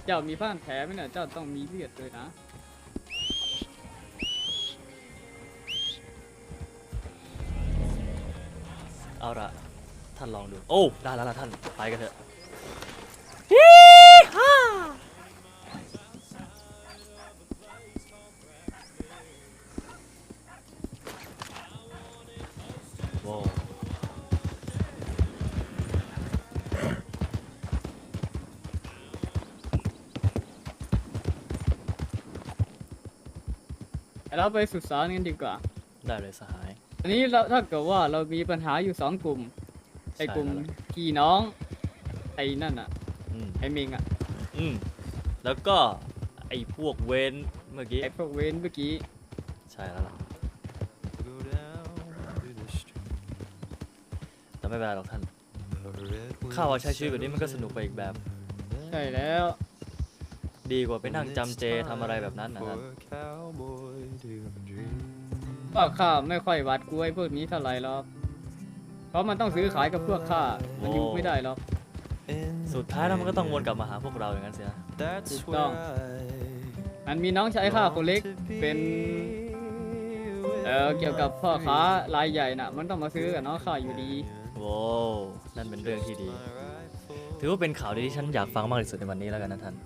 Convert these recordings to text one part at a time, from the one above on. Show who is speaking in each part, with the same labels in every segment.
Speaker 1: เจ้ามีผ้าแผลไหมเนี่ยเจ้าต้องมีเลือดเลยนะ
Speaker 2: เอาละท่านลองดูโอ้ได้แล้วล่ะท่านไปกันเถอะโว้
Speaker 1: เราไปสุสานกันดีกว่า
Speaker 2: ได้เลยสหาย
Speaker 1: อันนี้เราถ้าเกิดว่าเรามีปัญหาอยู่2 กลุ่มไอ้กลุ่มพี่น้องไอ้นั่นอ่ะไอ้เมงอ่ะ
Speaker 2: แล้วก็ไอ้พวกเวนเมื่อกี้
Speaker 1: ไอ้พวกเว้นเมื่อกี้
Speaker 2: ใช่แล้วล่ะแต่ไม่เป็นไรหรอกท่านข้าว่าใช้ชีวิตแบบนี้มันก็สนุกไปอีกแบบ
Speaker 1: ใช่แล้ว
Speaker 2: ดีกว่าไปนั่งจำเจทำอะไรแบบนั้นนะท่าน
Speaker 1: ว่าข้าไม่ค่อยหวาดกลัวไอ้พวกนี้เท่าไหร่หรอกเพราะมันต้องซื้อขายกับพวกข้ามันอยู่ไม่ได้หรอก
Speaker 2: สุดท้ายแล้วมันก็ต้องวนกลับมาหาพวกเราอย่างนั้นสินะ
Speaker 1: ถูกต้องมันมีน้องชายข้าคนเล็กเป็นเกี่ยวกับพ่อค้ารายใหญ่น่ะมันต้องมาซื้อกับน้องข้าอยู่ดี
Speaker 2: โว้นั่นเป็นเรื่องที่ดีถือว่าเป็นข่าวดีที่ฉันอยากฟังมากที่สุดในวันนี้แล้วกันนะท่าน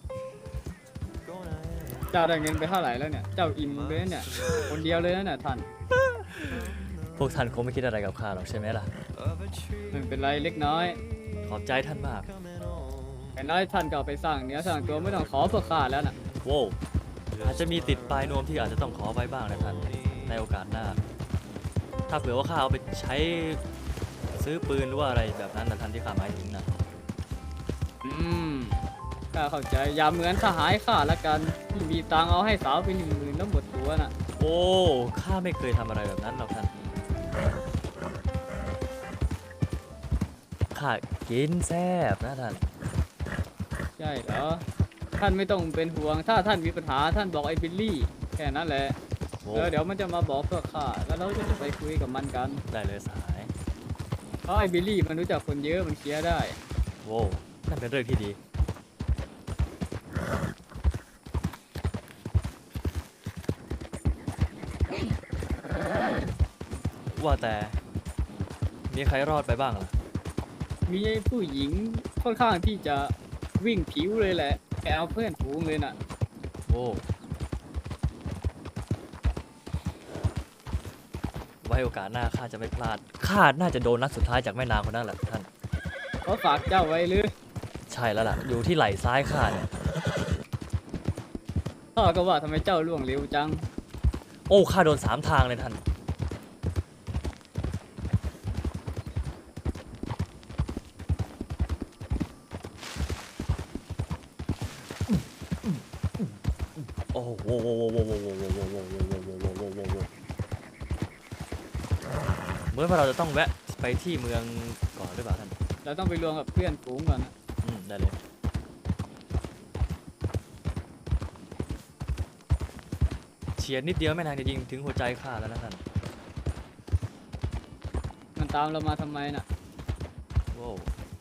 Speaker 1: เจ้าได้เงินไปเท่าไหร่แล้วเนี่ยเจ้าอิ่มเลยเนี่ยคนเดียวเลยนะเนี่ยท่าน
Speaker 2: พวกท่านคงไม่คิดอะไรกับข้าหรอกใช่ไหมล่ะ
Speaker 1: ไม่เป็นไรเล็กน้อย
Speaker 2: ขอบใจท่านมาก
Speaker 1: แต่น้อยท่านก็ไปสร้างเนื้อสร้างตัวไม่ต้องขอพวกข้าแล้วน่ะ
Speaker 2: โว้อาจจะมีติดปลายนวมที่อาจจะต้องขอไว้บ้างนะท่านในโอกาสหน้าถ้าเผื่อว่าข้าเอาไปใช้ซื้อปืนหรือว่าอะไรแบบนั้นนะท่านที่ข้าหมายถึงนะ
Speaker 1: ข้าเข้าใจอย่าเหมือนสหายข้าละกันที่มีตังเอาให้สาวไป10,000แล้วหมดตัวน่ะ
Speaker 2: โอ้ข้าไม่เคยทำอะไรแบบนั้นหรอกท่านข้ากินแซ่บนะท่าน
Speaker 1: ใช่เหรอท่านไม่ต้องเป็นห่วงถ้าท่านมีปัญหาท่านบอกไอ้บิลลี่แค่นั้นแหละเดี๋ยวมันจะมาบอกพวกข้าแล้วเราจะไปคุยกับมันกัน
Speaker 2: ได้เลยสหาย
Speaker 1: เพราะไอ้บิลลี่มันรู้จักคนเยอะมันเคลียร์ได้
Speaker 2: โว้นั่นเป็นเรื่องที่ดีว่าแต่มีใครรอดไปบ้างล่ะ
Speaker 1: มีผู้หญิงค่อนข้างที่จะวิ่งผิวเลยแหละแกเอาเพื่อนฝูงเลยน่ะ
Speaker 2: โอ้ไว้โอกาสหน้าข้าจะไม่พลาดข้าน่าจะโดนนัดสุดท้ายจากแม่นางคนนั้นแหละท่าน
Speaker 1: เขาฝากเจ้าไว้หรือ
Speaker 2: ใช่แล้วล่ะอยู่ที่ไหล่ซ้ายข้าเนี่ย
Speaker 1: ข้าก็ว่าทำไมเจ้าล่วงเร็วจัง
Speaker 2: โอ้ข้าโดน3 ทางเลยท่านโอ้โหเมื่อเราจะต้องแวะไปที่เมืองก่อนหรือเปล่าท่าน
Speaker 1: เราต้องไปรวมกับเพื่อนฝูงก่อนนะ
Speaker 2: ได้เลยเฉียดนิดเดียวแม่นางจะยิงถึงหัวใจข้าแล้วนะท่าน
Speaker 1: มันตามเรามาทำไมน่ะ
Speaker 2: โว้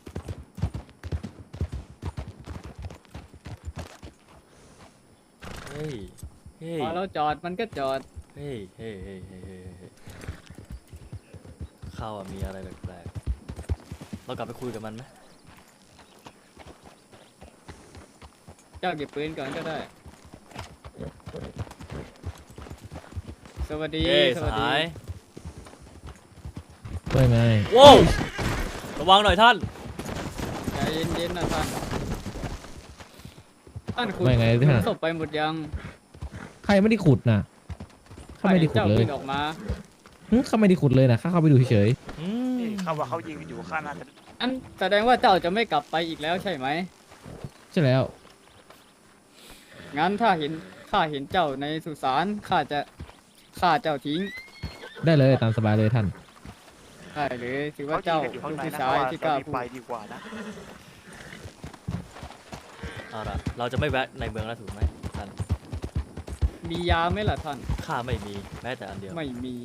Speaker 2: เฮ้ย
Speaker 1: พอเราจอดมันก็จอด
Speaker 2: เฮ้ยข้าวมีอะไรแปลกๆเรากลับไปคุยกับมันไหม
Speaker 1: เจ้าเก็บปืนก่อนก็ได้สวัสดี
Speaker 2: สหาย
Speaker 3: ว่าไง
Speaker 2: โว้ระวังหน่อยท่าน
Speaker 1: ใจเย็นๆนะท่านขุดศพไปหมดยัง
Speaker 3: ใครไม่ได้ขุดนะเขาไม่ได้ขุดเลย
Speaker 1: ออกมา
Speaker 3: เขาไม่ได้ขุดเลยนะข้าเข้าไปดูเฉย
Speaker 4: เขาว่าเขายิงอยู่ข้างหน้า
Speaker 1: อันแสดงว่าเจ้าจะไม่กลับไปอีกแล้วใช่ไหม
Speaker 3: ใช่แล้ว
Speaker 1: งั้นข้าเห็นเจ้าในสุสานข้าจะฆ่าเจ้าทิ้ง
Speaker 3: ได้เลยตามสบายเลยท่าน
Speaker 1: ได้เลยถือว่าเจ้าลูกผู้ชายที่กล้าพูด
Speaker 4: ไปดีกว่านะ
Speaker 2: เอาล่ะเราจะไม่แวะในเมืองแล้วถูกไหมท่าน
Speaker 1: มียาไหมล่ะท่าน
Speaker 2: ข้าไม่มีแม้แต่อันเดียว
Speaker 1: ไม่มี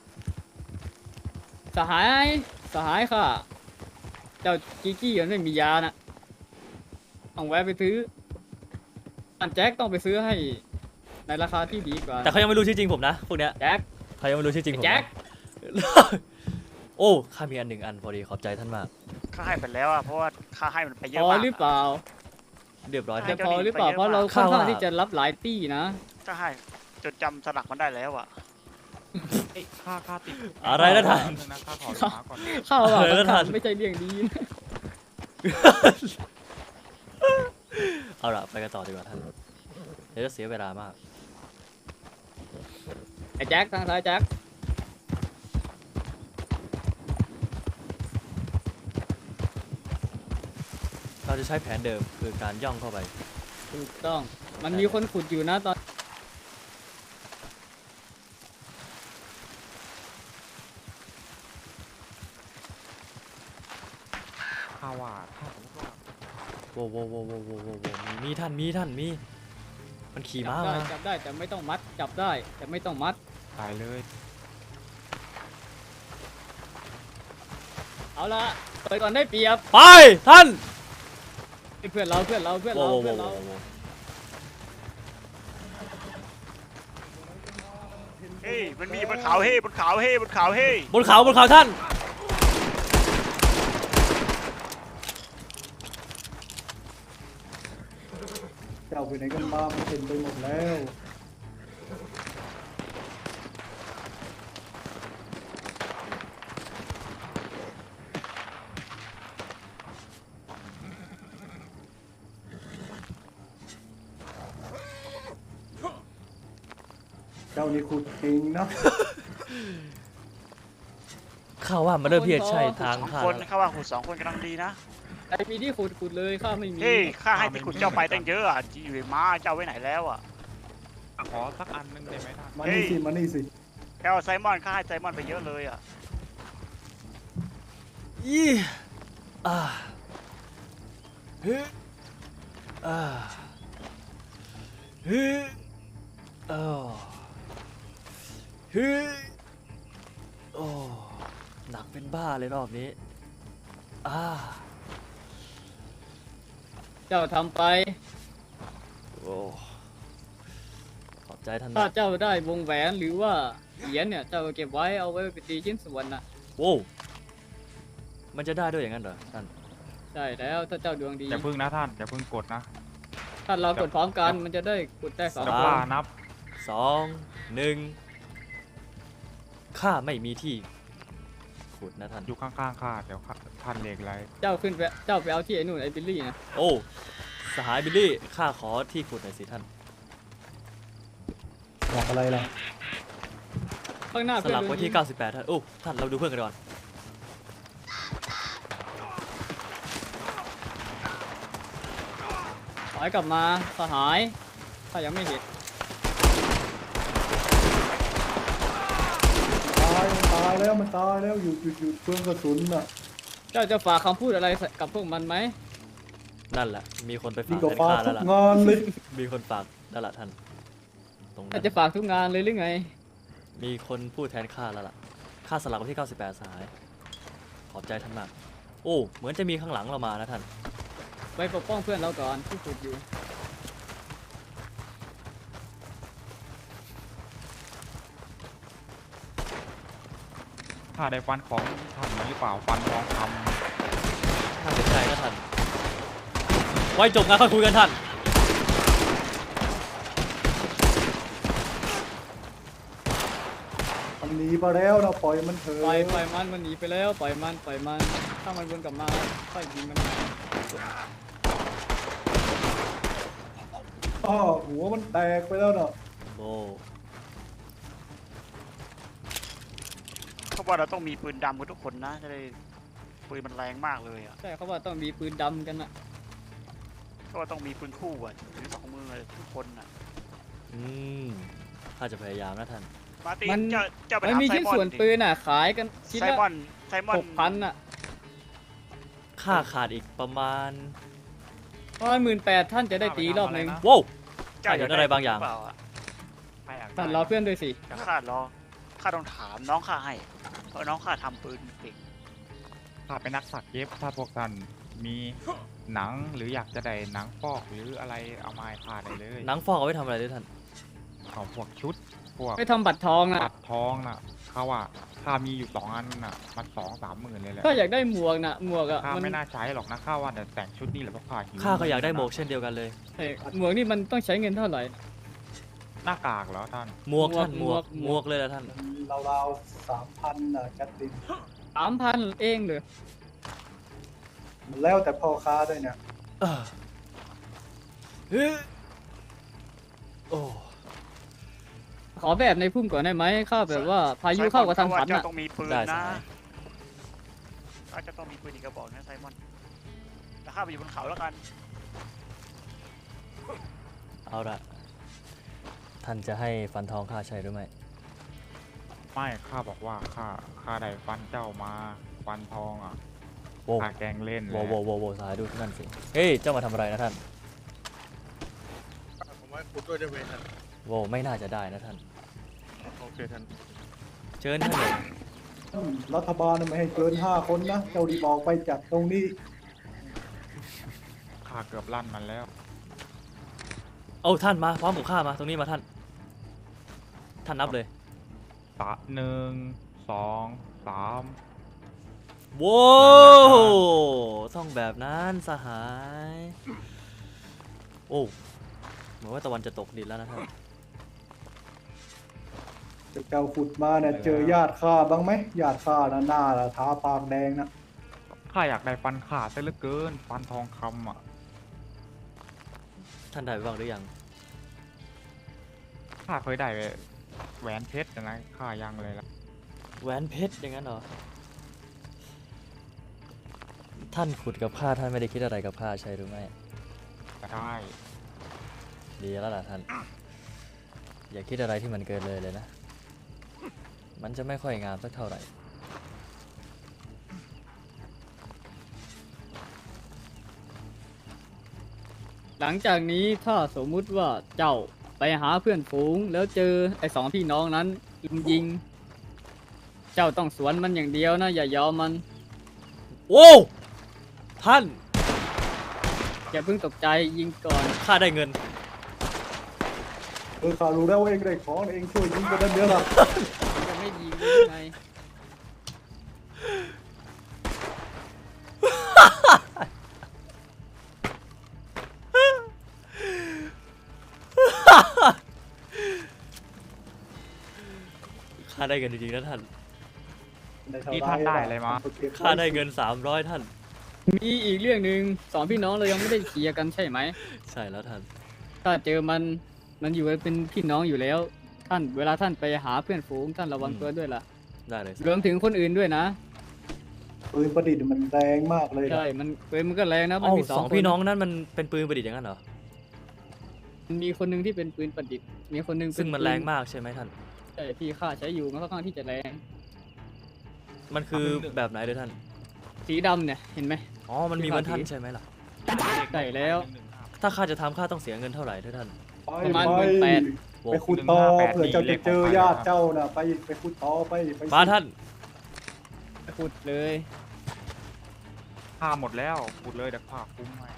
Speaker 1: สหายค่ะเจ้ากี้มันไม่มียานะต้องแวะไปซื้อท่านแจ็คต้องไปซื้อให้ในราคาที่ดีกว่า
Speaker 2: แต่เขายังไม่รู้ชื่อจริงผมนะพวกเนี้ย
Speaker 1: แจ็ค
Speaker 2: เขายังไม่รู้ชื่อจริงผมนะ
Speaker 1: แจ็ค
Speaker 2: โอ้ข้ามีอันหนึ่งอันพอดีขอบใจท่านมาก
Speaker 4: ข้าให้ไปแล้วอ่ะเพราะว่าข้าให้มันไปเย
Speaker 1: พ
Speaker 4: อะ
Speaker 1: อ
Speaker 4: มาก
Speaker 1: หรือเปล่า
Speaker 2: เรียบร้อย
Speaker 1: จะ
Speaker 2: ท่าน
Speaker 1: พอหรือเปล่าเพราะเราค่อนข้างที่จะรับหลายตี้นะ
Speaker 4: ข้าให้จดจำสลักมันได้แล้วอ่ะ
Speaker 5: เอ้ยค่าติด
Speaker 2: อะไรนะท่าน
Speaker 5: นึงนะค่าขอช้าก่อน
Speaker 1: ข้าว
Speaker 2: เออแล้วท่าน
Speaker 1: ไม่ใช่เรื่องดีนะ
Speaker 2: เอาล่ะไปกันต่อดีกว่าท่านเดี๋ยวจะเสียเวลามาก
Speaker 1: ไอ้แจ็คทางซ้ายแจ็ค
Speaker 2: เราจะใช้แผนเดิมคือการย่องเข้าไป
Speaker 1: ถูกต้องมันมีคนขุดอยู่นะตอน
Speaker 5: ค่าว่าถ้าสมมติว่า
Speaker 2: โว้วโว้วโว้วโว้วโว้วโว้วมีท่านมันขี่ม้ามา
Speaker 1: จับได้แต่ไม่ต้องมัดจับได้แต่ไม่ต้องมัด
Speaker 5: ตายเลย
Speaker 1: เอาละเปิดก่อนได้เปรียบ
Speaker 2: ไปท่าน
Speaker 1: เพื่อนเรา
Speaker 2: โว้วโว้ว
Speaker 1: เพื่อน
Speaker 2: โว้ว
Speaker 1: เรา
Speaker 2: โว้วโว้ว
Speaker 4: เฮ้ยมันมีบนเขาเฮ้บนเขาเฮ้บนเขาเฮ้
Speaker 2: บนเขาท่าน
Speaker 6: เจ้าไปไหนกันมามันเต็มไปหมดแล้ว เจ้านี่ขุดจริงนะ
Speaker 2: ข้าว่ามันเริ่มที่จะใช่ทาง
Speaker 4: สอง
Speaker 2: ข้า
Speaker 4: คน
Speaker 2: แล้ว
Speaker 4: ข้าว่าขุด2 คนกำลังดีนะ
Speaker 1: ไอมีที่ขุดเลยข้าไม่มี
Speaker 4: เฮ้ยข้าให้ที่ขุดเจ้าไปตั้งเยอะอ่ะอยู่ในม้าเจ้าไว้ไหนแล้วอ่ะ
Speaker 5: ขอสักอันนึงได้ไหมท่าน
Speaker 6: มานี่สิ มานี่สิ
Speaker 4: แค่เอาไซมอนข้าให้ไซมอนไปเยอะเลยอ่ะ
Speaker 2: ยี่อ่าเฮ้อ่าเฮ้อ้เฮ้โอ้หนักเป็นบ้าเลยรอบนี้
Speaker 1: เจ้าทำไป
Speaker 2: โอ้ขอบใจท่าน
Speaker 1: ถ้าม
Speaker 2: าก
Speaker 1: เจ้าได้วงแหวนหรือว่าเหรียญเนี่ยเจ้าก็เก็บไว้เอาไว้เป็นตีชิ้นส่วนนะ
Speaker 2: โว้วมันจะได้ด้วยอย่างนั้นเหรอท่าน
Speaker 1: ใช่แล้วถ้าเจ้าดวงดี
Speaker 5: อย่าพึ่งนะท่านอย่าพึ่งกดนะ
Speaker 1: ถ้าเรากดพร้อมกันมันจะได้กดได้สอง
Speaker 5: จะ
Speaker 1: ค
Speaker 5: บ้าน นับ
Speaker 2: 2 1ข้าไม่มีที่ขุดนะท่าน
Speaker 5: อยู่ข้างๆข้าเดี๋ยวท่านเหล็กไร
Speaker 1: เจ้าขึ้นไปเจ้าไปเอาที่ไอ้นู่นไอ้บิลลี่นะ
Speaker 2: โอ้สหายบิลลี่ข้าขอที่ขุดหน่อยสิท่าน
Speaker 6: บอกอะไรล่ะ
Speaker 1: ข้างหน้า
Speaker 2: ส
Speaker 1: เพื่อน
Speaker 2: ลับ
Speaker 1: โด
Speaker 2: ไว้
Speaker 1: น
Speaker 2: ที่
Speaker 1: ยิง
Speaker 2: 98 ท่าน โอ้ ท่าน เราดูเพื่อนกันก่อน
Speaker 1: ถอยกลับมาสหายถ้ายังไม่เห็น
Speaker 6: ตายแล้วมันตายแล้วหยุดเพื่องกระสุนน่ะ
Speaker 1: เจ้าจะฝากคำพูดอะไรกับพวกมันไหม
Speaker 2: นั่นแหละ มีคนไป
Speaker 6: นี่
Speaker 2: ฝาก
Speaker 6: ก็
Speaker 2: แทน
Speaker 6: ฟา
Speaker 2: ข้า
Speaker 6: ทุ
Speaker 2: แล้ว
Speaker 6: ก
Speaker 2: ล่ะ
Speaker 6: งานเลย
Speaker 2: มีคนฝากแล้วล่ะท่าน ตรงนั้
Speaker 1: อาน จจะฝากทุกงานเลยหรือไง
Speaker 2: มีคนพูดแทนข้าแล้วล่ะ ข้าสลับไว้ที่ 98 สหาย ขอบใจท่านมาก โอ้ เหมือนจะมีข้างหลังเรามานะท่าน
Speaker 1: ไปปกป้องเพื่อนเราก่อนที่ขุดอยู่
Speaker 5: ถ้าได้ฟันของท่านหรือเปล่าฟันทองค
Speaker 2: ท่านเสียใจนะท่าน ไว้จบงานค่อยคุยกันท่าน
Speaker 6: มันหนีไปแล้วนะปล่อยมันเถอะ
Speaker 1: ปล่อยมันหนีไปแล้วปล่อยมันถ้ามันวนกลับมาค่อยยิงมัน
Speaker 6: อ้อหัวมันแตกไปแล้วน่ะ
Speaker 2: โอ้
Speaker 4: เขาว่าเราต้องมีปืนดำกันทุกคนนะจะได้ปืนมันแรงมากเลยอ่ะ
Speaker 1: ใช่เขาว่าต้องมีปืนดำกันนะ
Speaker 4: เขาว่าต้องมีปืนคู่อ่ะถือ2 มือเลยทุกคนอ่ะ
Speaker 2: ข้าจะพยายามนะท่าน
Speaker 4: มาร์ตินเจ้าไป
Speaker 1: มัน
Speaker 4: ถาม
Speaker 1: มี
Speaker 4: ไซ
Speaker 1: ชิ้น
Speaker 4: มอน
Speaker 1: ส่วน
Speaker 4: ดิ
Speaker 1: ปืนอ่ะขายกันชิ้น
Speaker 4: ไซ
Speaker 1: ละ
Speaker 4: มอน
Speaker 1: 6,000อ่ะ
Speaker 2: ค่าขาดอีกประมาณ
Speaker 1: 18,000ท่านจะได้ตีรอบหนึ่ง
Speaker 2: โว้ว
Speaker 4: เจ้า
Speaker 2: เห็นอะไรบางอย่าง
Speaker 4: หเปล่อะ
Speaker 5: ำใครอยากได้
Speaker 1: ท่านรอเพื่อนด้วยสิ
Speaker 4: เดี๋ยวข้ารอข้าต้องถามน้องข้าให้เพราะน้องข้าทำปืนเก่ง
Speaker 5: ข้าเป็นนักสักเย็บถ้าพวกท่านมีหนังหรืออยากจะได้หนังฟอกหรืออะไรเอามาให้ข้าได้เลย
Speaker 2: หนังฟอกเอาไว้ทำอะไรด้วยท่าน
Speaker 5: เอาพวกชุดพวก
Speaker 1: ไม่ทำบัตรทองนะ
Speaker 5: ตัดทองน่ะเขาว่าข้ามีอยู่2 อันน่ะมัน2-3 หมื่นเลยแหละ
Speaker 1: ก็อยากได้หมวกนะหมวกอะ
Speaker 5: ข้า
Speaker 1: มัน
Speaker 5: ไม่น่าใช้หรอกนะข้าว่าแต่แต่งชุดนี้แหละเพราะข้าหิว
Speaker 2: ข้าก็อยากได้หมวกเช่นเดียวกันเลย
Speaker 1: เอ้ยหมวกนี่มันต้องใช้เงินเท่าไหร่
Speaker 5: หน้ากากเหรอท่าน
Speaker 2: หมวกท่านห
Speaker 1: ห
Speaker 2: ม
Speaker 1: ม
Speaker 2: ว
Speaker 1: ว
Speaker 2: ก
Speaker 1: ก
Speaker 2: หมวกเลยละท่าน
Speaker 6: ราวๆ3,000น่ะแคทลิน
Speaker 1: 3,000เองเลย
Speaker 6: มันแล้วแต่พ่อค้าด้วยเนี่ย
Speaker 2: เฮ้ยโอ้
Speaker 1: ขอแบบในพุ่มก่อนได้ไหมข้าแบบว่าพายุเข้ากับทันฝัน
Speaker 4: เจ้า
Speaker 1: อะ
Speaker 4: ต้องมีปืน
Speaker 2: ได้ส
Speaker 4: นะ
Speaker 2: หาย
Speaker 4: ข้าจะต้องมีปืนอีกกระบอกนะไซมอนแต่ข้าไปอยู่บนเขาแล้วกัน
Speaker 2: เอาละท่านจะให้ฟันทองข้าใช่หรือไม่
Speaker 5: ไม่ข้าบอกว่าข้าได้ฟันเจ้ามาฟันทองอ่ะ
Speaker 2: โว้
Speaker 5: ข้าแกล้งเล่นแห
Speaker 2: โว้
Speaker 5: ละ
Speaker 2: โว้โว้โว้สายดูที่นั่นสิ เฮ้ย เจ้ามาทำอะไรนะท่าน
Speaker 7: ผมว่าคุณด้วยได้ไหมท่าน
Speaker 2: โว้ไม่น่าจะได้นะท่าน
Speaker 7: โอเคท่าน
Speaker 2: เชิญท่านเลย
Speaker 6: รัฐบาลไม่ให้เกิน5 คนนะ เจ้าดีบอกไปจากตรงนี้
Speaker 5: ข้าเกือบลั่นมันแล้ว
Speaker 2: เอาท่านมาพร้อมกับข้ามาตรงนี้มาท่าน ท่านนับเลย
Speaker 5: 1 2 3
Speaker 2: โว้ต้องแบบนั้นสหาย โอ้เหมือนว่าตะวันจะตกดินแล้วนะท่าน
Speaker 6: เจ้าขุดมาเนี่ยเจอญาติข้าบ้างไหมญาติข้าน่ะหน้าละทาปากแดงนะ
Speaker 5: ข้าอยากได้ฟันขาดซะเหลือเกินฟันทองคำอ่ะ
Speaker 2: ท่านได้ไปบ้างหรือยัง
Speaker 5: ข้าเคยได้แหวนเพชรนะข้ายังเลยละ
Speaker 2: แหวนเพชรอย่างนั้นเหรอ ท่านขุดกับข้าท่านไม่ได้คิดอะไรกับข้าใช่หรือไม่
Speaker 5: ก็ได้
Speaker 2: ดีแล้วล่ะท่าน อย่าคิดอะไรที่มันเกินเลยนะ มันจะไม่ค่อยงามสักเท่าไหร่
Speaker 1: หลังจากนี้ถ้าสมมุติว่าเจ้าไปหาเพื่อนฝูง แล้วเจอไอ้2 พี่น้องนั้นลุมยิง เจ้าต้องสวนมันอย่างเดียวนะอย่ายอมมัน
Speaker 2: โอ้ท่าน
Speaker 1: อย่าเพิ่งตกใจยิงก่อน
Speaker 2: ข้าได้เงิน
Speaker 6: ข้ารู้แล้วว่าเองได้ของเองช่วยยิงกันได้เยอะละ
Speaker 1: ยังไม่ยิงเลยไง
Speaker 2: ข้าได้เงินจริงๆนะท่าน
Speaker 5: นี่ท่านได้อะไรมา
Speaker 2: ข้าได้เงิน300ท่าน
Speaker 1: มีอีกเรื่องหนึ่ง2 พี่น้องเรายังไม่ได้เคลียร์กันใช่ไหม
Speaker 2: ใช่แล้วท่าน
Speaker 1: ถ้าเจอมันอยู่เป็นพี่น้องอยู่แล้ว ท่านเวลาท่านไปหาเพื่อนฝูงท่านระวังตัวด้วยล่ะ
Speaker 2: ได้เลย
Speaker 1: รวมถึงคนอื่นด้วยนะ
Speaker 6: ปืนประดิษฐ์มันแรงมากเลยนะ
Speaker 1: ใช่มันปืนมันก็แรงนะมัน
Speaker 2: เอ้า
Speaker 1: มี
Speaker 2: สอง
Speaker 1: ค
Speaker 2: พี่น้องนั้นมันเป็นปืนประดิษฐ์อย่างนั้นเหรอ
Speaker 1: มันมีคนหนึงที่เป็นปืนประดิษฐ์มีคนหนึงเป็
Speaker 2: ซึ่งมัน
Speaker 1: ปื
Speaker 2: แรงมากใช่ไหมท่าน
Speaker 1: ใช่ที่ข้าใช้อยู่มันค่อนข้างที่จะแรง
Speaker 2: มันคือแบบไหนเลยท่าน
Speaker 1: สีดำเนี่ยเห็นไหม
Speaker 2: อ๋อ มันมีเหมือนท่านใช่ไหมล่ะ
Speaker 1: ใช่แล้ว
Speaker 2: ถ้าข้าจะทำข้าต้องเสียเงินเท่าไหร่ด้วยท่าน
Speaker 6: ไป
Speaker 1: ประมาณ
Speaker 6: ไป
Speaker 1: 18,000
Speaker 2: โว้
Speaker 6: ไปขุดต่อเผื่อเจ้าจะเจอญาติเจ้านะไปขุดต่อไป
Speaker 2: มาท่าน
Speaker 1: ขุดเลย
Speaker 5: ข้าหมดแล้วขุดเลยเดี๋ยวข้าคุ้มให้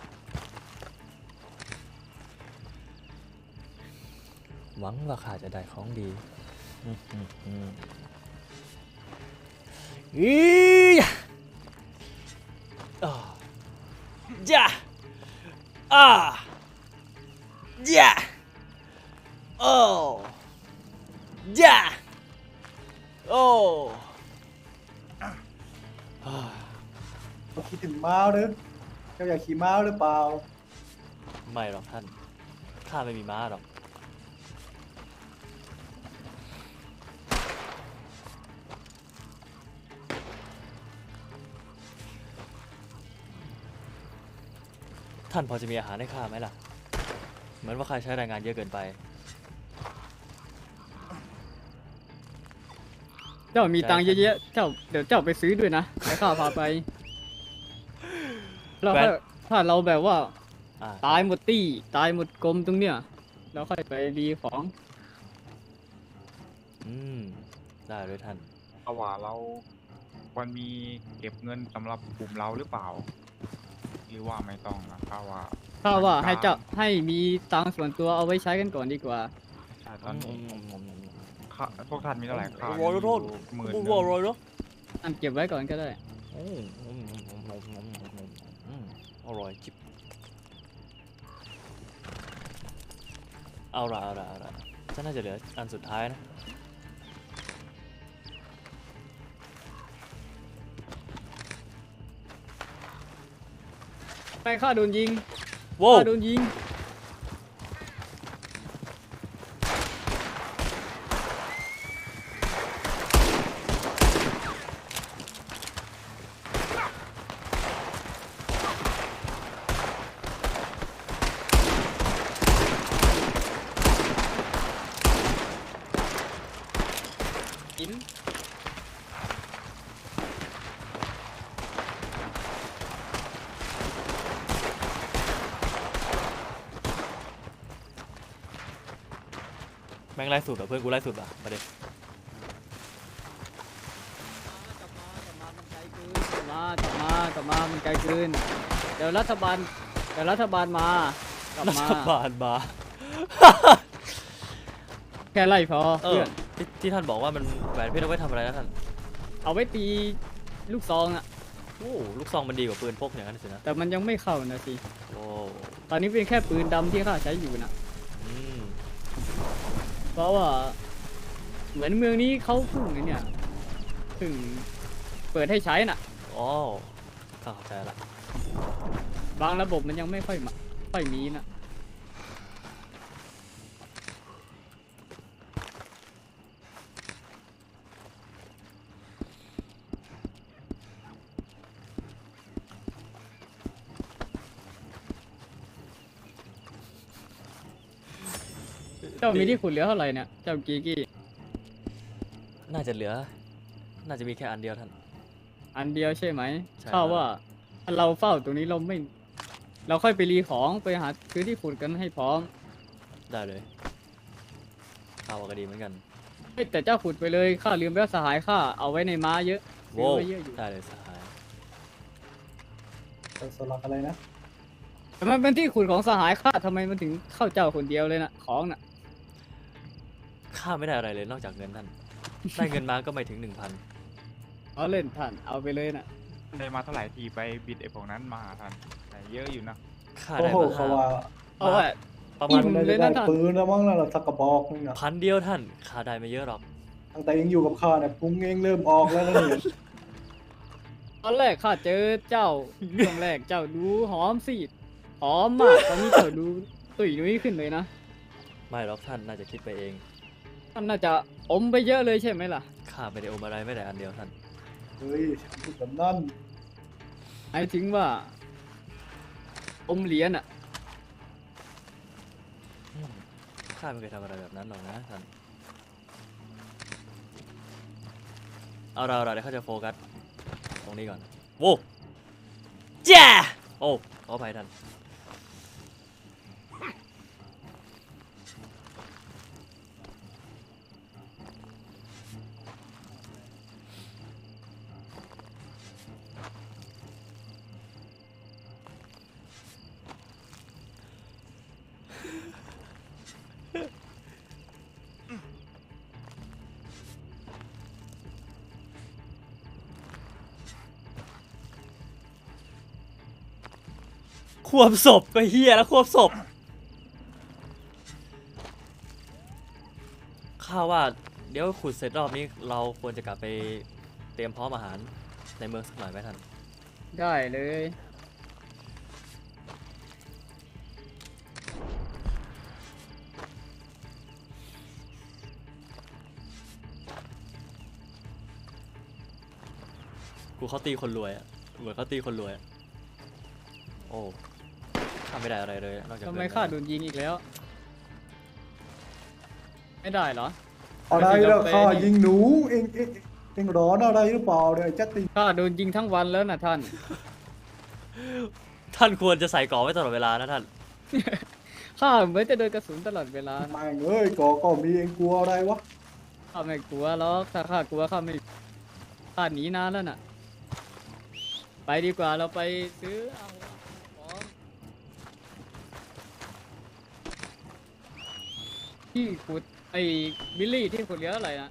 Speaker 2: หวังว่าข้าจะได้ของดีอีอ่าจ้าอ่าจ้าโอ้จ้าโอ้อ่า
Speaker 6: เราคิดถึงม้าเด้อเจ้าอยากขี่ม้าหรือเปล่า
Speaker 2: ไม่หรอกท่าน ข้าไม่มีม้าหรอก ท่านพอจะมีอาหารให้ข้าไหมล่ะ เหมือนว่าข้าใช้แรงงานเยอะเกินไป
Speaker 1: เจ้ามีตังค์เยอะๆเจ้าเดี๋ยวเจ้าไปซื้อด้วยนะแล้วข้าพาไปแล้ว
Speaker 2: แหวน
Speaker 1: ถ้าเราแบบว่า
Speaker 2: อ่า
Speaker 1: ตายหมดตี้ตายหมดกรมตรงเนี้ยเราค่อยไปรีของ
Speaker 2: อืม ได้เลยท่าน
Speaker 5: เอาว่าเราควรมีเก็บเงินสำหรับกลุ่มเราหรือเปล่าหรือว่าไม่ต้องนะข้าว่า
Speaker 1: ข้าว่าให้มีตังค์ส่วนตัวเอาไว้ใช้กันก่อนดีกว่า
Speaker 5: แต่ตอนนี้ข้าพวกท่านมีเท่าไหร่ข้า
Speaker 2: โอ้โหโทษ
Speaker 5: หมื่น
Speaker 2: โอ้
Speaker 5: ห
Speaker 2: โห
Speaker 5: นึ่ง
Speaker 2: อร่อยเนาะ
Speaker 1: อันเก็บไว้ก่อนก็ได้
Speaker 2: อร่อยจิบเอาละฉันน่าจะเหลืออันสุดท้ายนะ
Speaker 1: ไปข้าโดนยิง
Speaker 2: โว้ว
Speaker 1: ข้าโดนยิง หิน
Speaker 2: แม่งไล่สุดอ่ะเพื่อนกูไล่สุดอ่ะมาเด็ก
Speaker 1: กลับมามันไกลเกินเดี๋ยวรัฐบาลมากลับ
Speaker 2: รั
Speaker 1: มา
Speaker 2: ฐบาลมา
Speaker 1: แค่ไล่พอ
Speaker 2: เอ
Speaker 1: เพื่
Speaker 2: อ
Speaker 1: อน
Speaker 2: ที่ท่านบอกว่ามันแหวนเพชรเอาไว้ทำอะไรนะท่าน
Speaker 1: เอาไว้ตีลูกซองอะ
Speaker 2: โอ้ลูกซองมันดีกว่าปืนพกอย่างนั้นสินะ
Speaker 1: แต่มันยังไม่เข้านะสิ
Speaker 2: โอ้
Speaker 1: ตอนนี้เป็นแค่ปืนดำที่ข้าใช้อยู่นะ
Speaker 2: อืม
Speaker 1: เพราะว่าเหมือนเมืองนี้เขาเพิ่งเนี่ยเพิ่งเปิดให้ใช้น่ะ
Speaker 2: อ๋อข้าเข้าใจละ
Speaker 1: บางระบบมันยังไม่ค่อยมีนะเจ้ามีที่ขุดเหลือเท่าไหร่เนี่ยเจ้ากีกี้
Speaker 2: น่าจะเหลือ น่าจะมีแค่อันเดียวท่าน
Speaker 1: อันเดียวใช่ไหม
Speaker 2: ใช่
Speaker 1: ข้าว่าถ้าเราเฝ้าตรงนี้เราค่อยไปรีของไปหาซื้อที่ขุดกันให้พร้อม
Speaker 2: ได้เลยข้าวก็ดีเหมือนกัน
Speaker 1: เฮ้ยแต่เจ้าขุดไปเลยข้าลืมไปว่าสหายข้าเอาไว้ในม้าเยอะซื้
Speaker 2: โว้
Speaker 1: อ
Speaker 2: ว
Speaker 1: ไว้เยอะอยู่
Speaker 2: ได้เลยสหาย
Speaker 6: สลักอะไรนะ
Speaker 1: แต่มันเป็นที่ขุดของสหายข้าทำไมมันถึงเข้าเจ้าคนเดียวเลยนะของน่ะ
Speaker 2: ข้าไม่ได้อะไรเลยนอกจากเงินท่าน ได้เงินมาก็ไม่ถึง
Speaker 1: เอาเล่นท่านเอาไปเลยน่ะ
Speaker 5: ได้มาเท่าไหร่ทีไปบิดไอ้พวกนั้นมาท่านแต่เยอะอยู่นะ
Speaker 2: 1,000ข้า
Speaker 6: โอ้
Speaker 2: ได้
Speaker 6: โห
Speaker 2: มา
Speaker 6: เขาว่า
Speaker 1: เอาไว้
Speaker 2: ประ
Speaker 1: อิ่
Speaker 2: มาณ
Speaker 1: ม
Speaker 6: ได้
Speaker 1: เลยนะท่าน
Speaker 6: ปืนแล้วมั้งนั่นแหละสักกระบอกนึงนะ
Speaker 2: 1,000 เดียวท่านข้าได้ไม่เยอะหรอก
Speaker 6: ตั้งแต่ยังอยู่กับข้าเนี่ยพุงเองเริ่มออกแล้วนะเนี่ย
Speaker 1: ตอนแรกข้าเจอเจ้า ช่วงแรกเจ้าดูหอมสีดหอมมากตอนนี้เจ้าดูตุ๋ยนุ้ยขึ้นเลยนะ
Speaker 2: ไม่หรอกท่านน่าจะคิดไปเอง
Speaker 1: ท่านน่าจะอมไปเยอะเลยใช่ไหมล่ะ
Speaker 2: ข้าไม่ได้อมอะไรไม่แต่อันเดียวท่าน
Speaker 6: เฮ้ยพูดแบบนั้น
Speaker 1: หมายถึงว่าอมเหรียญอ่ะ
Speaker 2: ข้าไม่เคยทำอะไรแบบนั้นหรอกนะท่าน เอาเราเดี๋ยวเขาจะโฟกัสตรงนี้ก่อน โว้แจ้โอ้ขออภัยท่าน ควบศพก็เฮียแล้วควบศพข้าว่าเดี๋ยวขุดเสร็จรอบนี้เราควรจะกลับไปเตรียมพร้อมอาหารในเมืองสักหน่อยไหมท่าน
Speaker 1: ได้เลย
Speaker 2: กูเขาตีคนรวยอะเหมือนเขาตีคนรวยอะโอ้ข้าไม่ได้อะไรเลยนอกจาก
Speaker 1: ทำ
Speaker 2: เงิน
Speaker 1: ไมข้าโดนยิงอีกแล้ว ไม่ได้เหรอ
Speaker 6: อะไรแล้วข้ายิงหนูเองร้อนอะไรหรือเปล่าเนี่ยไอ้จัตติ
Speaker 1: ข้าโดนยิงทั้งวันแล้วนะท่าน
Speaker 2: ท่านควรจะใส่เกราะไว้ตลอดเวลานะท่าน
Speaker 1: ข้าเหมือนจะโดนกระสุนตลอดเวลานะ
Speaker 6: แม่งเอ้ยก็มีเองกลัวอะไรวะ
Speaker 1: ข้าไม่กลัวหรอกถ้าข้ากลัวข้าไม่ข้าหนีนานแล้วน่ะ ไปดีกว่าเราไปซื้อเอาที่ขุดไอ้บิลลี่ที่ขุดเหลืออะไรนะ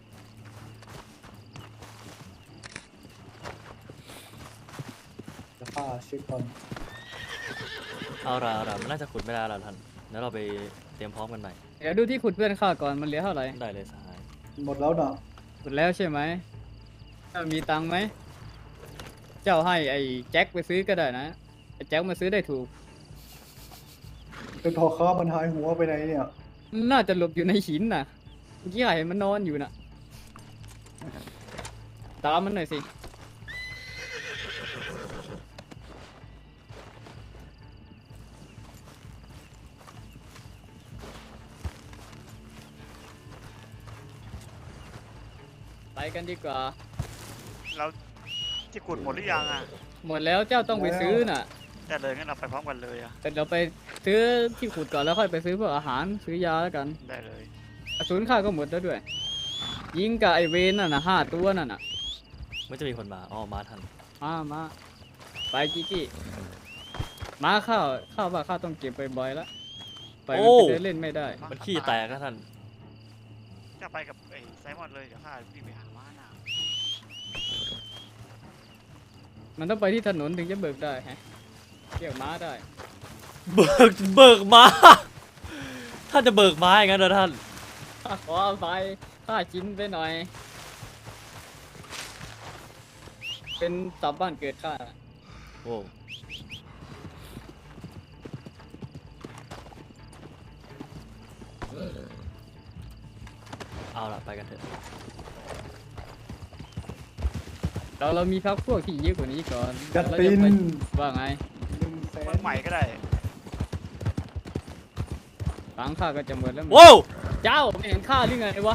Speaker 6: จะฆ่าเช็คก่อน
Speaker 2: เอาละมันน่าจะขุดไม่ได้แล้วท่านเดี๋ยวเราไปเตรียมพร้อมกันใหม่
Speaker 1: เดี๋ยวดูที่ขุดเพื่อนข้าก่อนมันเหลือเท่าไหร่
Speaker 2: ได้เลยสหาย
Speaker 6: หมดแล้วนะ
Speaker 1: ขุดแล้วใช่ไหมเจ้ามีตังค์ไหมเจ้าให้ไอ้แจ็คไปซื้อก็ได้นะไอ้แจ็คมาซื้อได้ถูก
Speaker 6: เป็นพอค้ามันหายหัวไปไหนเนี่ย
Speaker 1: น่าจะหลบอยู่ในหินน่ะเมื่อกี้เห็นมันนอนอยู่น่ะตามมันหน่อยสิไปกันดีกว่า
Speaker 4: เราที่ขุดหมดหรือยังอ่ะ
Speaker 1: หมดแล้วเจ้าต้องไปซื้อน่ะ
Speaker 4: ได้เลยงั้นเราไปพร้อมกันเลยอ่ะ
Speaker 1: แต่เราไปซื้อที่ขุดก่อนแล้วค่อยไปซื้อพวกอาหารซื้อยาแล้วกัน
Speaker 4: ได้เลย
Speaker 1: กระสุนข้าก็หมดแล้วด้วย ยิงกับไอเวนน่ะนะ5 ตัวนั่นน่ะ
Speaker 2: ไม่จะมีคนมาอ๋อมาทัน
Speaker 1: มาไปจิกี้มาข้าวว่าข้าต้องเก็บบ่อยๆแล้วไปมันไปเดินเล่นไม่ได้
Speaker 2: มันขี้แตกนะท่าน
Speaker 4: จะไปกับไอ้ไซมอนเลยเดี๋ยวข้าพี่ไปหาม้าหน้า
Speaker 1: มันต้องไปที่ถนนถึงจะเบิกได้ฮะเรียกม้าได้
Speaker 2: เบิกม้าท่านจะเบิกม้าอย่างนั้นเหรอท่าน
Speaker 1: ข้าขออภัยข้าชินไปหน่อย เป็นสับบ้านเกิดข้า
Speaker 2: โอ้เอาละไปกันเถอะ
Speaker 1: เรามีพักพวกที่เยอะกว่านี้ก่อน
Speaker 6: จัด
Speaker 1: แล้ว
Speaker 6: ติ
Speaker 1: จะ
Speaker 6: น
Speaker 1: ไปว่าไง
Speaker 6: 100,000
Speaker 4: เมืองใหม่ก็ได้
Speaker 1: ตังค์ข้าก็จะหมดแล้ว
Speaker 2: โว้ว
Speaker 1: เจ้าไม่เห็นข้าหรือไงวะ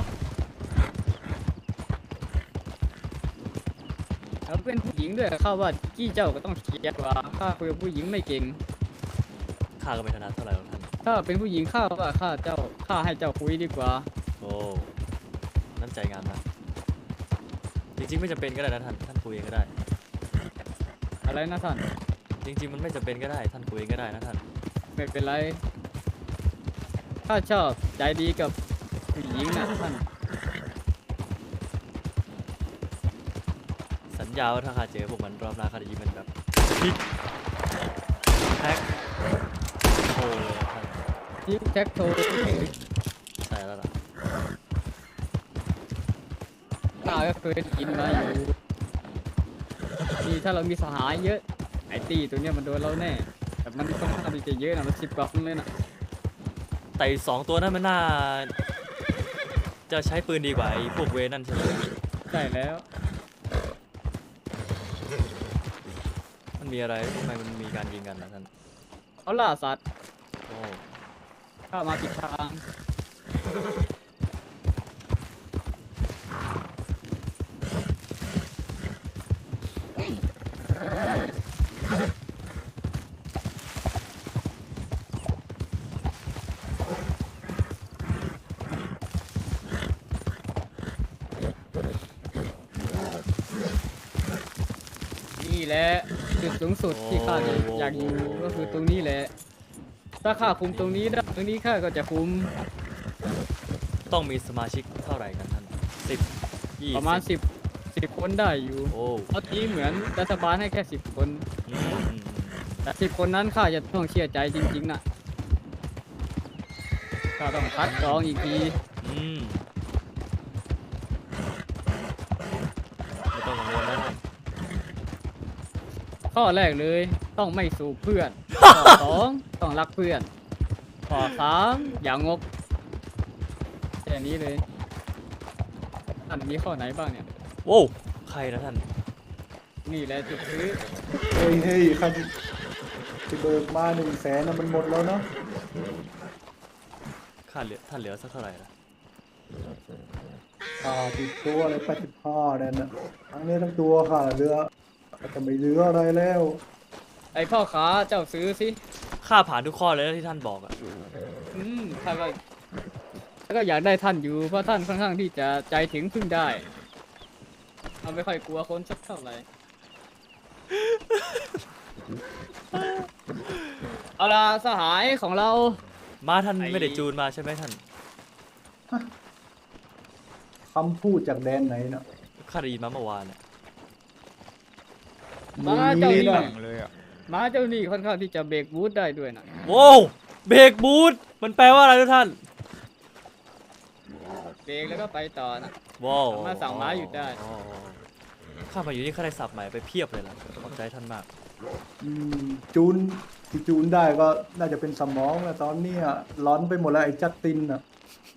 Speaker 1: แล้วเป็นผู้หญิงด้วยข้าว่ากี้เจ้าก็ต้องเคลียร์กว่าข้าคุยกับผู้หญิงไม่เก่ง
Speaker 2: ข้าก็ไม่ถนัดเท่าไหร่หรอกท่าน
Speaker 1: ถ้าเป็นผู้หญิงข้าว่าข้าให้เจ้าคุยดีกว่า
Speaker 2: โอ้น้ำใจงามนะจริงๆไม่จำเป็นก็ได้นะท่านคุยเองก็ได้
Speaker 1: อะไรนะท่าน
Speaker 2: จริงๆมันไม่จำเป็นก็ได้ท่านคุยเองก็ได้นะท่าน
Speaker 1: ไม่เป็นไรข้าชอบใจดีกับผู้หญิงนะท่าน
Speaker 2: สัญญาว่าถ้าข้าเจอพวกมันรอบหน้าข้าจะยิงมันแบบพิกแท็กโอ้เลยนะท่าน
Speaker 1: ทิกแท็กโท
Speaker 2: ใช่แล้วล่ะ
Speaker 1: ข้าก็เคยกินมาอยู่นี่ถ้าเรามีสหายเยอะไอ้ตีตัวเนี้ยมันโดนเราแน่แต่มันค่อนข้างที่จะเยอะนะมัน10 กว่าคนเลยนะ
Speaker 2: แต่อีก2ตัวนั้นมันน่าจะใช้ปืนดีกว่าไอ้พวกเวรนั่นใช่ไหม
Speaker 1: ใช่แล้ว
Speaker 2: มันมีอะไรทำไมมันมีการยิงกันนะท่าน
Speaker 1: เขาล่าสัตว์
Speaker 2: โอ้
Speaker 1: ข้ามาผิดทาง นี่แหละจุดสูงสุดที่ข้าอยากอยู่ก็คือตรงนี้แหละ ถ้าข้าคุมตรงนี้ได้ตรงนี้ข้าก็จะคุม
Speaker 2: ต้องมีสมาชิกเท่าไหร่กันท่าน10 20
Speaker 1: ประมาณ10 คนได้อยู่
Speaker 2: โอ้
Speaker 1: เพราะทีเหมือนรัฐบาลให้แค่10 คน
Speaker 2: อืม
Speaker 1: แต่10 คนนั้นข้าจะต้องเชื่อใจจริงๆนะข้าต้องคัดกรองอีกที
Speaker 2: อืมไม่ต้องกังวลนะท่าน
Speaker 1: ข้อแรกเลยต้องไม่สูบเพื่อน ข้อ 2ต้องรักเพื่อน ข้อ 3อย่างกแค่นี้เลยท่านมีข้อไหนบ้างเนี่ย
Speaker 2: โว้วใครนะท่าน
Speaker 1: นี่แหละจุดซื้อ
Speaker 6: เฮ้ยคันที่เบิกมา100,000นะมันหมดแล้วเนาะ
Speaker 2: ท่านเหลือสักเท่าไหร่ล่ะ
Speaker 6: ติดตัวเลย85เนี่ยนะทั้งนี้ทั้งตัวค่ะเหลือจะไม่เหลืออะไรแล้ว
Speaker 1: ไอพ่อค้าเจ้าซื้อสิ
Speaker 2: ค่าผ่านทุกข้อเลยนะที่ท่านบอกอะ
Speaker 1: ท่านก็แล้วก็อยากได้ท่านอยู่เพราะท่านค่อนข้างที่จะใจถึงพึ่งได้เราไม่ค่อยกลัวคนสักเท่าไหร่เอาล่ะสหายของเรา
Speaker 2: มาท่าน
Speaker 1: ไอ้
Speaker 2: ไม่ได้จูนมาใช่ไหมท่าน
Speaker 6: คำพูดจากแดนไหนเนาะ
Speaker 2: ข้าได้ยินมาเมื่อวานเนี่ย
Speaker 1: มาเจ้า
Speaker 6: มี
Speaker 1: นี่
Speaker 6: นะ
Speaker 5: แข่งเลยอ่ะ
Speaker 1: มาเจ้านี่ค่อนข้างที่จะเบรกบูทได้ด้วยนะ
Speaker 2: โว้วเบรกบูทมันแปลว่าอะไรทุกท่าน
Speaker 1: เบรกแล้วก็ไปต่อนะ
Speaker 2: ว้าว
Speaker 1: สามารถสั่งม้าหยุดได้
Speaker 2: อ๋อข้ามาอยู่นี่ข้าได้สับใหม่ไปเพียบเลยล่ะขอบใจท่านมาก
Speaker 6: อืมจูนที่จูนได้ก็น่าจะเป็นสมองแล้วตอนเนี้ยร้อนไปหมดแล้วไอ้จัสตินอ่ะ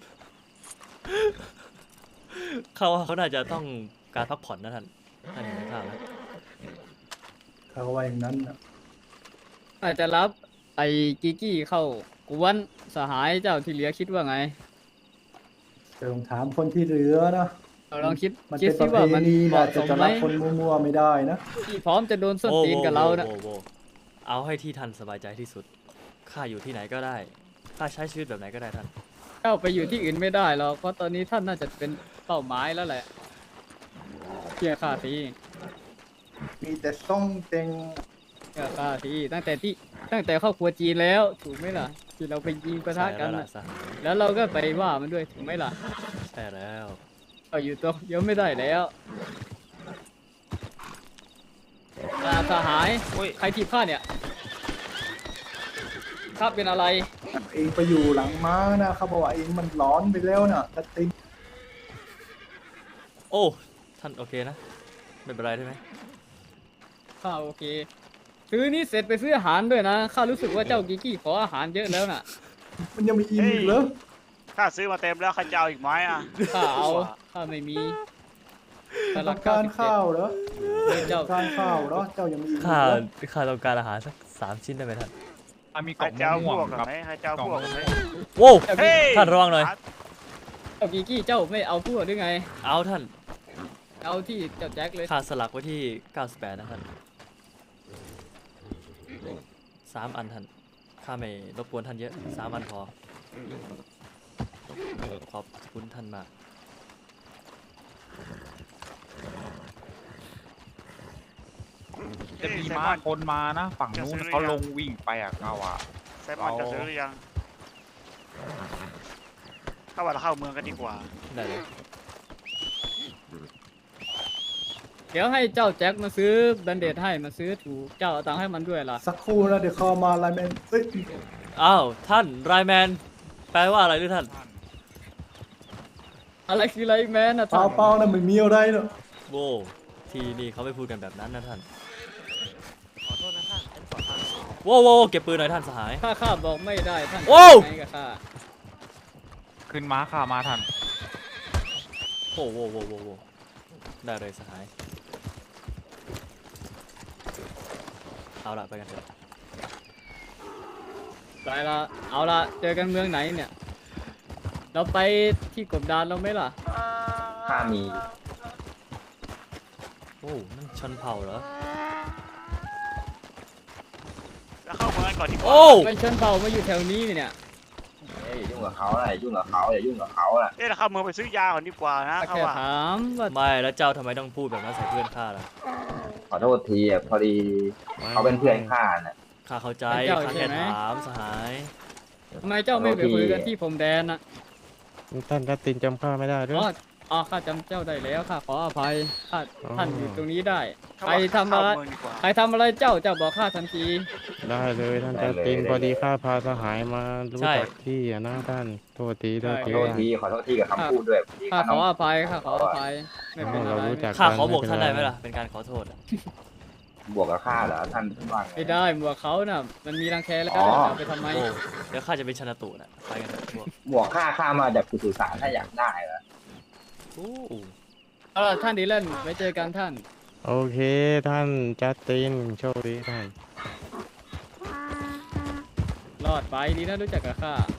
Speaker 2: เขาว่าเขาน่าจะต้องการพักผ่อนนะท่านท่านเห็นไหมข้าไหม
Speaker 6: เขาว่าอย่างนั้นน่ะ
Speaker 1: อาจจะรับไอ้กิกี้เข้ากวนสหายเจ้าที่เหลือคิดว่าไง
Speaker 6: จะลองถามคนที่เหลือนะ
Speaker 1: เราลองคิด
Speaker 6: มัน
Speaker 1: คิด
Speaker 6: เป็นป
Speaker 1: ซิ
Speaker 6: ระ
Speaker 1: ว่า
Speaker 6: เพ
Speaker 1: มัน
Speaker 6: ณี
Speaker 1: เห
Speaker 6: นะ
Speaker 1: มาะ
Speaker 6: จะ
Speaker 1: สม
Speaker 6: จะ
Speaker 1: ไหม
Speaker 6: รับคนมั่วๆไม่ได้นะ
Speaker 1: ที่พร้อมจะโดนส้นตีนกับเรานะ
Speaker 2: โว้เอาให้ที่ท่านสบายใจที่สุดข้าอยู่ที่ไหนก็ได้ข้าใช้ชีวิตแบบไหนก็ได้ท่าน
Speaker 1: เจ้าไปอยู่ที่อื่นไม่ได้หรอกเพราะตอนนี้ท่านน่าจะเป็นเป้าหมายแล้วแหละเชื่อข้าสิ
Speaker 6: มีแต่ซ่องเต็ง
Speaker 1: เชื่อข้าสิตั้งแต่ครอบครัวจีนแล้วถูกไหมล่ะที่เราไปยิงประทะ
Speaker 2: ใช่
Speaker 1: กั
Speaker 2: แล้
Speaker 1: น
Speaker 2: ว
Speaker 1: น่ะ
Speaker 2: ล่ะสหาย
Speaker 1: แล้วเราก็ไปว่ามันด้วยถูกไหมล่ะ
Speaker 2: ใช่แล้ว
Speaker 1: เราอยู่ตัวเดียวไม่ได้แล้วสหายใครถีบข้าเนี่ยข้าเป็นอะไร
Speaker 6: เองไปอยู่หลังม้านะเขาบอกว่าเองมันร้อนไปแล้วน่ะจัสติน
Speaker 2: โอ้ท่านโอเคนะไม่เป็นไรใช่ไหม
Speaker 1: ข้าโอเคซื้อนี่เสร็จไปซื้ออาหารด้วยนะข้ารู้สึกว่าเจ้ากิกี้ขออาหารเยอะแล้วน่ะ
Speaker 6: มันยังมีอิ่มอีกเหรอ
Speaker 4: ข้าซื้อมาเต็มแล้วข้าจะเอาอีกไหมอ่ะ
Speaker 1: ข้าเอาข้าไม่มีสลั
Speaker 6: ต้องการข้าวเหรอ
Speaker 1: เจ้า
Speaker 6: ต้องการข้าวเหรอเจ้ายังมีอิ่มอีก
Speaker 2: ข้า
Speaker 6: เหรอ
Speaker 2: ข้าต้องการอาหารสัก3 ชิ้นได้ไหมท่าน
Speaker 5: มีกล่
Speaker 4: ข้า
Speaker 5: อง
Speaker 4: จะเอา
Speaker 5: ม่
Speaker 4: พ
Speaker 5: ว
Speaker 4: ว
Speaker 5: ง
Speaker 4: กกับ
Speaker 5: ครับ
Speaker 4: ไหมข้าจะเอาพวกกับไหม
Speaker 2: โว้ว
Speaker 4: เฮ้ย
Speaker 2: ท่านระวังหน่อย
Speaker 1: เจ้ากิกี้เจ้าไม่เอาพวกหรือไง
Speaker 2: เอาท่าน
Speaker 1: เอาที่เจ้าแจ็คเลย
Speaker 2: ข้าสลักไว้ที่98นะท่าน3 อันท่านข้าไม่รบกวนท่านเยอะ3 อันพอขอบคุณท่านมาก
Speaker 5: จะมีม้าคนมานะ ฝั่งนู้นเขาลงวิ่งไปอ่ะเขาอ่ะ
Speaker 4: ไซมอนจะซื้อหรือยังถ้าว่าเราเข้าเมืองกันดีกว่า
Speaker 2: ได้เลย
Speaker 1: เดี๋ยวให้เจ้าแจ็คมาซื้อแบนเดดให้มาซื้อถูกเจ้าเอาตังค์ให้มันด้วยล่ะ
Speaker 6: สักครู่นะเดี๋ยวเขามาไลน์แมนเอ้ย
Speaker 2: อ้าวท่านไรแมนแปลว่าอะไรหรือท่าน
Speaker 1: อะไรคือไรแมนนะ
Speaker 6: เปล่า
Speaker 1: ท่าน
Speaker 6: เปล่านะไม่มีอะไรเนอะ
Speaker 2: โว้ที่นี่เขาไม่พูดกันแบบนั้นนะท่านโว้วเก็บปืนหน่อยท่านสหาย
Speaker 1: ข้าบอกไม่ได้ท่าน
Speaker 2: โอ้
Speaker 1: ไงกับข้า
Speaker 5: ขึ้นม้าข่ามาทัน
Speaker 2: โว้ได้เลยสหายเอาละไปกันเถอะ
Speaker 1: ไปละเอาละเจอกันเมืองไหนเนี่ย เราไปที่กบดานเราไหมล่ะ
Speaker 8: ข้ามี
Speaker 2: โอ้นั่นชนเผ่าเหรอ
Speaker 4: แล้วเข้าเมืองกันก่อนดีกว่า
Speaker 2: โอ้
Speaker 1: ไปชนเผ่ามาอยู่แถวนี้เนี่ย
Speaker 8: เอ้ยยุ่งกับเขาอะไรยุ่งกับเขาอย่ายุ่งกับเขาน่ะ
Speaker 4: เอ๊ะเราเข้าเมืองไปซื้อยาก่อนดีกว่านะเขา
Speaker 1: แค่
Speaker 4: ว่า
Speaker 1: ถามว่า
Speaker 2: ไม่แล้วเจ้าทำไมต้องพูดแบบนั้นใส่เพื่อนข้าล่ะ
Speaker 8: ขอโทษทีอ่ะพอดีเขาเป็นเพื่อนข้าน่ะ
Speaker 2: ข้าเข้าใจข้าแค่ถามสหาย
Speaker 1: ทำไมเจ้าไม่ไปคุยกันที่ผมแดนนะ
Speaker 9: ท่านทัตตินจำข้าไม่ได้ด้วย
Speaker 1: อ๋อข้าจำเจ้าได้แล้วข้าขออภัยข้า
Speaker 9: อ๋อ
Speaker 1: ท่านอยู่ตรงนี้ได้
Speaker 4: เขา
Speaker 1: ใคร
Speaker 4: ว่า
Speaker 1: ทำอะไร
Speaker 4: เข้าเมืองดีกว่า
Speaker 1: ใครทำอะไรเจ้าบอกข้าทันที
Speaker 9: ได้เลยท่านทัตตินพอดีข้าพาสหายมารู้จักที่อะนะท่านโทษทีโทษ
Speaker 8: ขอ
Speaker 9: ที
Speaker 8: โทษทีขอโทษทีกับคำพูดด้วยพอดี
Speaker 1: ข้า
Speaker 8: ข้า
Speaker 1: ข
Speaker 8: น้
Speaker 1: อ
Speaker 8: อง
Speaker 1: อภัยข้าขออภัยไม่เป็นอะไร
Speaker 9: เรารู้จัก
Speaker 2: ข้า
Speaker 9: กัน
Speaker 2: ขอบอก
Speaker 9: ม่
Speaker 2: ท่านได้
Speaker 9: เป็
Speaker 2: ไหม
Speaker 9: ร
Speaker 2: ล่ะเป็นการขอโทษอะ
Speaker 8: บวกกับข้าเหรอท่านว่าไง
Speaker 1: ไม่ได้หมวกเขาน่ะมันมีรังแคแล้ว
Speaker 8: อ๋อ
Speaker 1: จะเอาไปทำไม
Speaker 2: โอ้เดี๋ยวข้าจะเป็นชนะตุนะไปกันเถอะพวก
Speaker 8: บวกข้ามาจากกุศุสารถ้าอยากได้เหรอ
Speaker 2: โอ้
Speaker 1: เอาล่ะท่านดีแลนไว้เจอกันท่าน
Speaker 9: โอเคท่านจัสตินโชคดีท่าน
Speaker 1: รอดไปดีนะรู้จักกับข้า